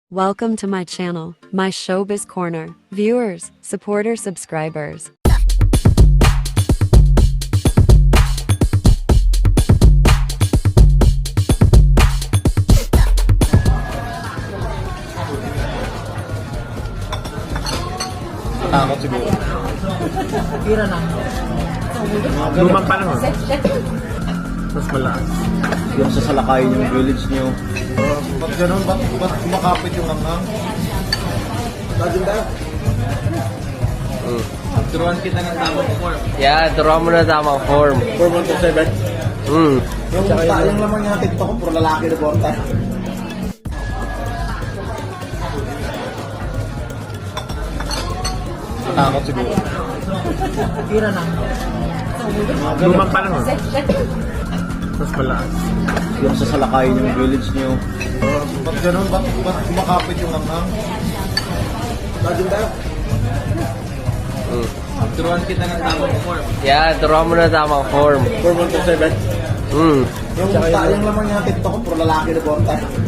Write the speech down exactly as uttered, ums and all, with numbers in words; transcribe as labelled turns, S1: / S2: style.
S1: Welcome to my channel, my Showbiz Corner. Viewers, supporters, subscribers.
S2: Takot siguro.
S3: Tira lang.
S2: Lumang pa lang. Mas malakas.
S4: Yung sasalakayin yung village nyo.
S2: Uh, ba't ganun? Ba't, ba't kumakapit yung hanghang? Laging tayo.
S4: Turuan kita ng tamang form.
S3: Yeah, turuan mo na tamang form.
S2: four one two seven.
S3: Hmm.
S4: Yung, ta- yung laman niya ng TikTok ko, puro lalaki na borta.
S2: Takot siguro.
S3: Tira lang.
S2: Lumang pa lang. Mas malakas.
S4: Yung sasalakayin yung village nyo.
S2: Uh, ba't ganun? Ba't, ba't kumakapit yung hanghang? Laging tayo.
S4: Turuan kita ng tamang form.
S3: Yeah, turuan mo na tamang form.
S2: four one two seven.
S3: Hmm.
S4: Yung, ta- yung laman niya ng TikTok ko, puro lalaki na borta.